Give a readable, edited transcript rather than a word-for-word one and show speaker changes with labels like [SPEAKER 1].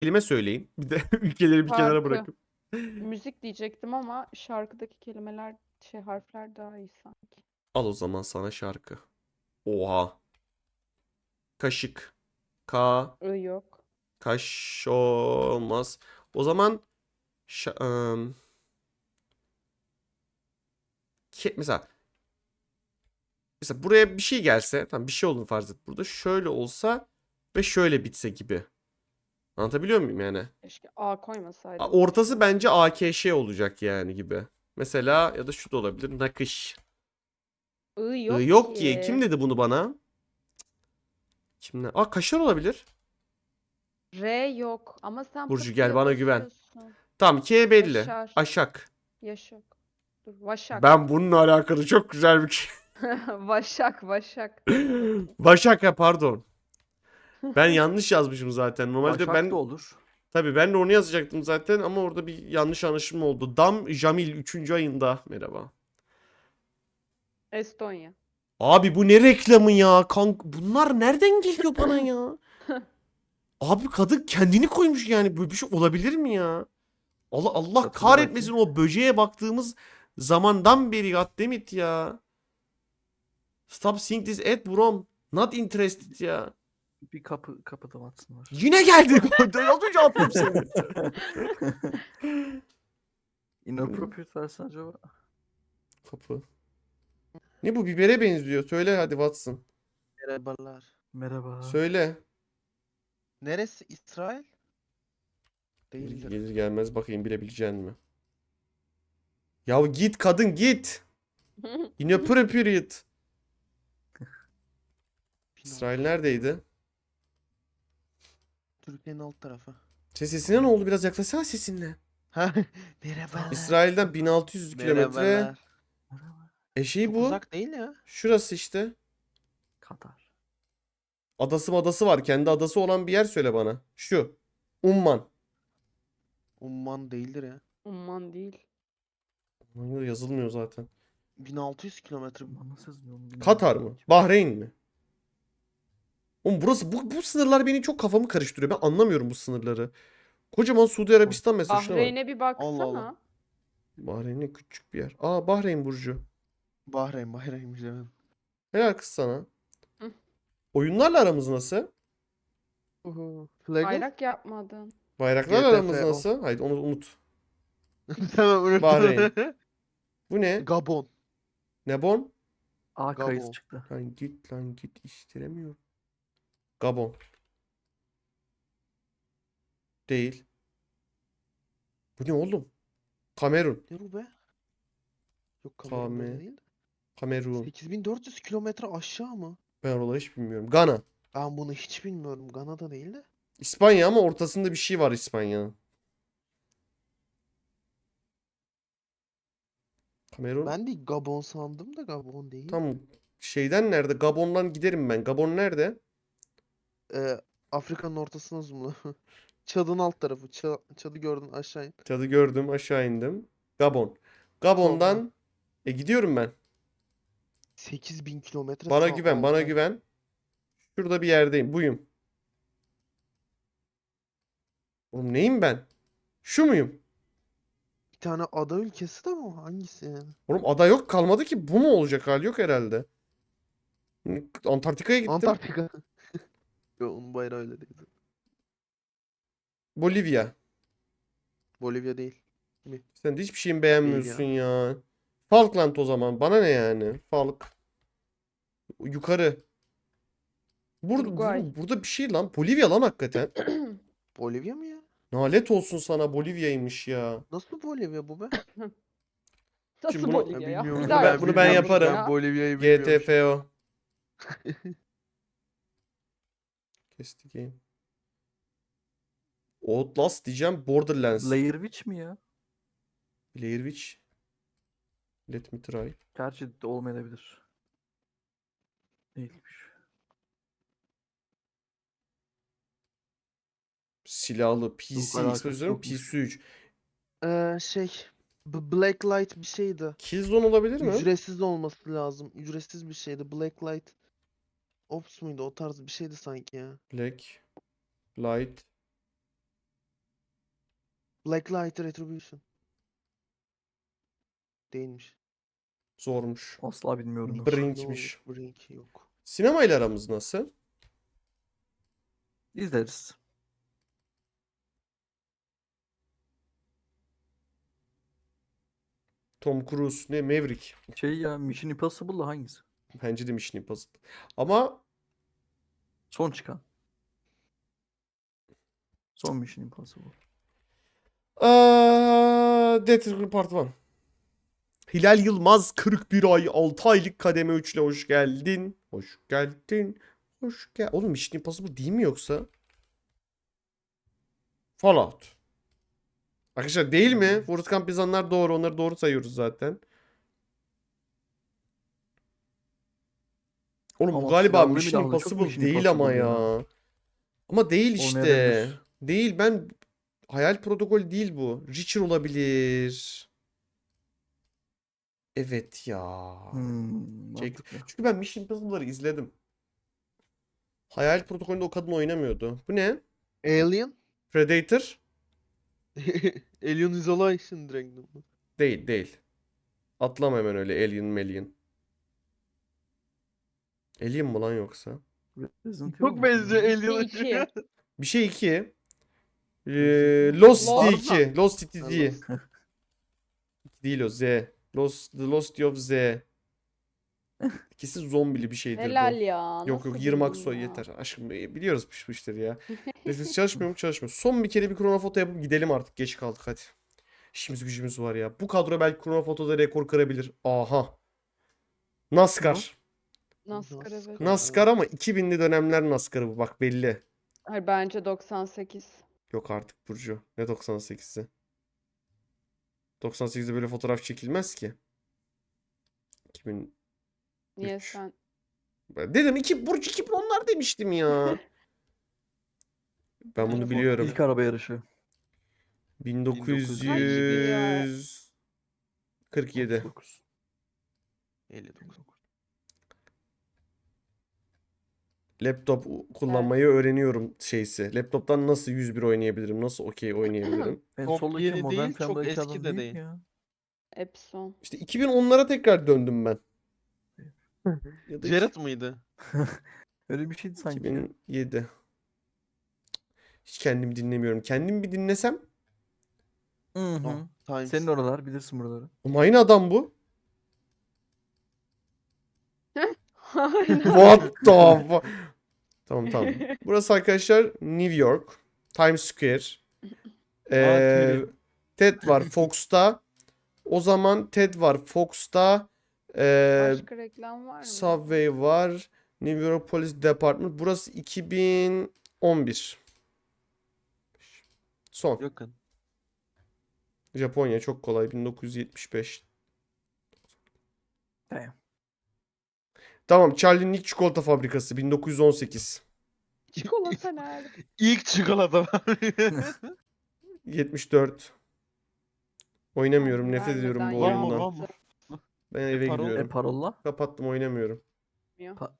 [SPEAKER 1] kelime söyleyin. Bir de ülkeleri bir kenara
[SPEAKER 2] Şarkı.
[SPEAKER 1] bırakıp.
[SPEAKER 2] Müzik diyecektim ama şarkıdaki kelimeler, harfler daha iyi sanki.
[SPEAKER 1] Al o zaman sana şarkı. Oha. Kaşık. Ka.
[SPEAKER 2] Yok.
[SPEAKER 1] Kaş olmaz. O zaman mesela buraya bir şey gelse, tamam bir şey olduğunu farz et burada. Şöyle olsa ve şöyle bitse gibi. Anlatabiliyor muyum yani?
[SPEAKER 2] Keşke A koymasaydım
[SPEAKER 1] Ortası
[SPEAKER 2] başına.
[SPEAKER 1] bence AKŞ olacak yani gibi. Mesela ya da şu da olabilir. Nakış.
[SPEAKER 2] Yok
[SPEAKER 1] Yok ki.
[SPEAKER 2] ki.
[SPEAKER 1] Kim dedi bunu bana? Kim ne? Kaşar olabilir.
[SPEAKER 2] R yok. Ama sen
[SPEAKER 1] Burcu
[SPEAKER 2] pıt
[SPEAKER 1] gel
[SPEAKER 2] diye
[SPEAKER 1] bana güven.
[SPEAKER 2] basıyorsun.
[SPEAKER 1] Tamam K belli.
[SPEAKER 2] Yaşar.
[SPEAKER 1] Aşak.
[SPEAKER 2] Yaşak. Dur. Vaşak.
[SPEAKER 1] Ben bununla alakalı çok güzel bir şey.
[SPEAKER 2] Vaşak. Vaşak. Dene bakayım.
[SPEAKER 1] Başak ya pardon. Ben yanlış yazmışım zaten. Normalde
[SPEAKER 3] Başak da
[SPEAKER 1] ben
[SPEAKER 3] olur.
[SPEAKER 1] tabii ben de onu yazacaktım zaten ama orada bir yanlış anlaşılma oldu. Dam Jamil 3. ayında. Merhaba.
[SPEAKER 2] Estonya.
[SPEAKER 1] Abi bu ne reklamı ya? Bunlar nereden geliyor bana ya? Abi kadın kendini koymuş yani. Böyle bir şey olabilir mi ya? Allah
[SPEAKER 3] Hatırla
[SPEAKER 1] kahretmesin
[SPEAKER 3] bakayım.
[SPEAKER 1] o böceğe baktığımız zamandan beri goddammit ya. Stop seeing this ad bro. Not interested ya.
[SPEAKER 3] Bir kapıda Watson var.
[SPEAKER 1] Yine geldi. Az önce attım seni.
[SPEAKER 3] Inappropriate versen acaba?
[SPEAKER 1] Kapı. Ne bu bibere benziyor. Söyle hadi Watson.
[SPEAKER 4] Merhabalar.
[SPEAKER 3] Merhaba.
[SPEAKER 1] Söyle.
[SPEAKER 4] Neresi? İsrail?
[SPEAKER 1] Gelir,
[SPEAKER 4] Değildir.
[SPEAKER 1] gelir gelmez bakayım bilebilecek mi? Ya git kadın git. Inappropriate. İsrail neredeydi?
[SPEAKER 4] Türkiye'nin alt tarafı.
[SPEAKER 1] Sesine ne oldu? Biraz yaklaşsana sesinle.
[SPEAKER 4] Ha, merhabalar.
[SPEAKER 1] İsrail'den 1600 kilometre.
[SPEAKER 4] Merhabalar.
[SPEAKER 3] Merhaba.
[SPEAKER 1] Şey
[SPEAKER 4] Çok
[SPEAKER 1] bu.
[SPEAKER 4] uzak değil ya.
[SPEAKER 1] Şurası işte.
[SPEAKER 3] Katar.
[SPEAKER 1] Adası var. Kendi adası olan bir yer söyle bana. Şu. Umman.
[SPEAKER 4] Umman değildir ya.
[SPEAKER 2] Umman değil.
[SPEAKER 1] Umman yazılmıyor zaten.
[SPEAKER 4] 1600 kilometre.
[SPEAKER 3] Ama nasıl yazılıyor onu bilmiyorum.
[SPEAKER 1] Katar mı? Bahreyn mi? Oğlum burası bu sınırlar beni çok kafamı karıştırıyor. Ben anlamıyorum bu sınırları. Kocaman Suudi Arabistan mesela şuna bak.
[SPEAKER 2] Bahreyn'e bir
[SPEAKER 4] Allah Allah.
[SPEAKER 2] baksana.
[SPEAKER 1] Bahreyn ne küçük bir yer. Bahreyn Burcu.
[SPEAKER 4] Bahreyn'miş evet.
[SPEAKER 1] Helal kız sana.
[SPEAKER 2] Hı.
[SPEAKER 1] Oyunlarla aramız nasıl?
[SPEAKER 4] Flagel?
[SPEAKER 2] Bayrak yapmadın.
[SPEAKER 1] Bayraklarla aramız
[SPEAKER 4] GTFO.
[SPEAKER 1] nasıl? Haydi onu unut.
[SPEAKER 4] Tamam unuttum.
[SPEAKER 1] Bahreyn. Bu ne?
[SPEAKER 4] Gabon.
[SPEAKER 1] Ne bon?
[SPEAKER 3] A
[SPEAKER 4] Gabo.
[SPEAKER 3] kayısı çıktı.
[SPEAKER 1] Lan git istiremiyorum. Gabon. Değil. Bu ne oğlum? Kamerun.
[SPEAKER 4] Ne bu be? Yok Kamerun'da da değil.
[SPEAKER 1] Kamerun.
[SPEAKER 4] 8400 kilometre aşağı mı?
[SPEAKER 1] Ben oraları hiç bilmiyorum. Gana.
[SPEAKER 4] Ben bunu hiç bilmiyorum. Gana'da değil de.
[SPEAKER 1] İspanya ama ortasında bir şey var İspanya'nın. Kamerun.
[SPEAKER 4] Ben de Gabon sandım da Gabon değil.
[SPEAKER 1] Tam şeyden nerede? Gabon'dan giderim ben. Gabon nerede?
[SPEAKER 4] Afrika'nın ortasına zoomla. Çad'ın alt tarafı. Çad'ı gördün aşağı in.
[SPEAKER 1] Çadı gördüm aşağı indim. Gabon.
[SPEAKER 4] Sonra
[SPEAKER 1] Gabon'dan gidiyorum ben.
[SPEAKER 4] 8000 kilometre
[SPEAKER 1] Bana
[SPEAKER 4] sağ
[SPEAKER 1] güven bana
[SPEAKER 4] alta.
[SPEAKER 1] güven. Şurada bir yerdeyim. Buyum. Oğlum neyim ben? Şu muyum?
[SPEAKER 4] Bir tane ada ülkesi de mi o? Hangisi yani?
[SPEAKER 1] Oğlum ada yok kalmadı ki. Bu mu olacak hal yok herhalde. Antarktika'ya gittim.
[SPEAKER 4] Antarktika. Yo, onun bayrağı öyle değil.
[SPEAKER 1] Bolivya.
[SPEAKER 4] Bolivya değil.
[SPEAKER 1] Sen de hiçbir şeyimi
[SPEAKER 4] Değil
[SPEAKER 1] beğenmiyorsun
[SPEAKER 4] ya.
[SPEAKER 1] ya. Falkland o zaman. Bana ne yani? Yukarı.
[SPEAKER 2] Uruguay.
[SPEAKER 1] Burada bir şey lan. Bolivya lan hakikaten.
[SPEAKER 4] Bolivya mı ya?
[SPEAKER 1] Nalet olsun sana Bolivya'ymış ya.
[SPEAKER 4] Nasıl Bolivya bu be?
[SPEAKER 1] Şimdi
[SPEAKER 2] Nasıl
[SPEAKER 1] bunu-
[SPEAKER 2] Bolivya
[SPEAKER 4] Ben
[SPEAKER 2] ya?
[SPEAKER 4] bilmiyorum.
[SPEAKER 2] Bir
[SPEAKER 1] Bunu
[SPEAKER 2] daha
[SPEAKER 1] ben-
[SPEAKER 2] yap,
[SPEAKER 1] bunu ben
[SPEAKER 2] yanlış
[SPEAKER 1] yaparım.
[SPEAKER 2] ya.
[SPEAKER 4] Bolivya'yı bilmiyorum.
[SPEAKER 1] GTFO. Kesti game. Outlast diyeceğim. Borderlands.
[SPEAKER 3] Blair Witch mi ya?
[SPEAKER 1] Blair Witch. Let me try.
[SPEAKER 3] Gerçi de olmayabilir. Değilmiş.
[SPEAKER 1] Silahlı. PC.
[SPEAKER 3] Yok, alakası
[SPEAKER 1] Exposure
[SPEAKER 3] yokmuş.
[SPEAKER 1] PC3.
[SPEAKER 4] Şey. Blacklight bir şeydi.
[SPEAKER 1] Killzone olabilir mi?
[SPEAKER 4] Ücretsiz olması lazım. Ücretsiz bir şeydi. Blacklight Ops muydu? O tarz bir şeydi sanki ya.
[SPEAKER 1] Black. Light.
[SPEAKER 4] Blacklight Retribution. Değilmiş.
[SPEAKER 1] Zormuş.
[SPEAKER 3] Asla bilmiyorum. ben.
[SPEAKER 1] Brink'miş.
[SPEAKER 4] Brink yok.
[SPEAKER 1] Sinemayla aramız nasıl?
[SPEAKER 3] İzleriz.
[SPEAKER 1] Tom Cruise ne? Maverick.
[SPEAKER 3] Şey ya, Mission Impossible'la hangisi?
[SPEAKER 1] Bence de Mission Impossible. Ama
[SPEAKER 3] Son çıkan. Son Mission Impossible.
[SPEAKER 1] Death Part 1. Hilal Yılmaz 41 ay 6 aylık kademe 3 ile hoş geldin. Hoş geldin. Hoş gel. Oğlum Mission Impossible değil mi yoksa? Fallout. Arkadaşlar değil mi? Forrest Gump yazanlar doğru. Onları doğru sayıyoruz zaten. Oğlum bu
[SPEAKER 3] Ama
[SPEAKER 1] galiba
[SPEAKER 3] silahlı
[SPEAKER 1] Mission
[SPEAKER 3] milahlı çok
[SPEAKER 1] Impossible
[SPEAKER 3] Mission
[SPEAKER 1] değil ama
[SPEAKER 3] Impossible
[SPEAKER 1] ya. Ama değil işte.
[SPEAKER 3] Olmayabilir.
[SPEAKER 1] Değil, ben Hayal Protokol değil bu. Reacher olabilir. Evet ya. Çek-
[SPEAKER 3] Mantıklı.
[SPEAKER 1] Çünkü ben Mission Impossible'ları izledim. Hayal Protokolü'nde o kadın oynamıyordu. Bu ne?
[SPEAKER 4] Alien?
[SPEAKER 1] Predator?
[SPEAKER 4] Alien Isolation direkt.
[SPEAKER 1] Değil, değil. Atlama hemen öyle Alien Alien. Alien mi lan yoksa?
[SPEAKER 3] Resident Evil
[SPEAKER 4] Çok
[SPEAKER 3] mi?
[SPEAKER 4] benziyor Alien'a.
[SPEAKER 2] İki.
[SPEAKER 1] Bir şey 2.
[SPEAKER 3] Resident
[SPEAKER 1] Lost
[SPEAKER 2] Evil.
[SPEAKER 1] City 2. Lost City
[SPEAKER 4] Ha,
[SPEAKER 1] değil.
[SPEAKER 4] Lost.
[SPEAKER 1] Değil o Z. The Lost of Z. İkisi zombili bir şeydir bu.
[SPEAKER 2] Helal ya.
[SPEAKER 1] Yok
[SPEAKER 2] Nasıl
[SPEAKER 1] Yırmak
[SPEAKER 2] bildin
[SPEAKER 1] soy
[SPEAKER 2] ya?
[SPEAKER 1] yeter. Aşkım biliyoruz bu işleri ya. Nefes çalışmıyor mu? Çalışmıyor. Son bir kere bir kronofoto yapıp gidelim artık. Geç kaldık hadi. İşimiz gücümüz var ya. Bu kadro belki kronofotoda rekor kırabilir. Aha. NASCAR.
[SPEAKER 2] NASCAR evet.
[SPEAKER 1] NASCAR ama 2000'li dönemler NASCAR'ı bu bak belli.
[SPEAKER 2] Hayır bence 98.
[SPEAKER 1] Yok artık Burcu. Ne 98'i? 98'de böyle fotoğraf çekilmez ki. 2000
[SPEAKER 2] Niye
[SPEAKER 1] 3.
[SPEAKER 2] sen?
[SPEAKER 1] Dedim Burcu 2010'lar demiştim ya. Ben bunu
[SPEAKER 2] Bence
[SPEAKER 1] biliyorum.
[SPEAKER 3] İlk araba yarışı.
[SPEAKER 1] 1947.
[SPEAKER 3] 39.
[SPEAKER 4] 59.
[SPEAKER 1] Laptop kullanmayı öğreniyorum şeysi. Laptoptan nasıl 101 oynayabilirim? Nasıl okey oynayabilirim?
[SPEAKER 3] En
[SPEAKER 4] Çok
[SPEAKER 3] soldaki
[SPEAKER 4] yeni
[SPEAKER 3] Modern
[SPEAKER 4] değil, çok
[SPEAKER 3] Family'deki
[SPEAKER 4] eski
[SPEAKER 3] adam
[SPEAKER 4] de
[SPEAKER 3] değil
[SPEAKER 4] değil.
[SPEAKER 3] mi ya?
[SPEAKER 2] Epson.
[SPEAKER 1] İşte 2010'lara tekrar döndüm ben. Ya da
[SPEAKER 4] Jared mıydı?
[SPEAKER 3] Öyle bir şeydi sanki. ya.
[SPEAKER 1] 2007. Hiç kendimi dinlemiyorum. Kendimi bir dinlesem.
[SPEAKER 3] Hı
[SPEAKER 4] Oh,
[SPEAKER 3] hı.
[SPEAKER 4] Times.
[SPEAKER 3] Senin oralar, bilirsin buraları.
[SPEAKER 1] Ama aynı adam bu.
[SPEAKER 2] Aynen.
[SPEAKER 1] What the Tamam tamam. Burası arkadaşlar New York. Times Square.
[SPEAKER 4] Terry.
[SPEAKER 1] Ted var Fox'ta. O zaman Ted var Fox'ta.
[SPEAKER 2] Başka reklam var mı?
[SPEAKER 1] Subway var. New York Police Department. Burası 2011. Son.
[SPEAKER 4] Yakın.
[SPEAKER 1] Japonya çok kolay. 1975.
[SPEAKER 3] Damn.
[SPEAKER 1] Tamam. Charlie'nin ilk çikolata fabrikası. 1918.
[SPEAKER 2] Çikolata nerede?
[SPEAKER 4] İlk çikolata var.
[SPEAKER 1] 74. Oynamıyorum.
[SPEAKER 2] Abi
[SPEAKER 1] Nefret ediyorum bu
[SPEAKER 2] vermeden
[SPEAKER 4] Var mı,
[SPEAKER 1] oyundan.
[SPEAKER 4] var mı?
[SPEAKER 1] Ben eve
[SPEAKER 4] Parol-
[SPEAKER 1] gidiyorum.
[SPEAKER 3] Parolla.
[SPEAKER 1] Kapattım oynamıyorum.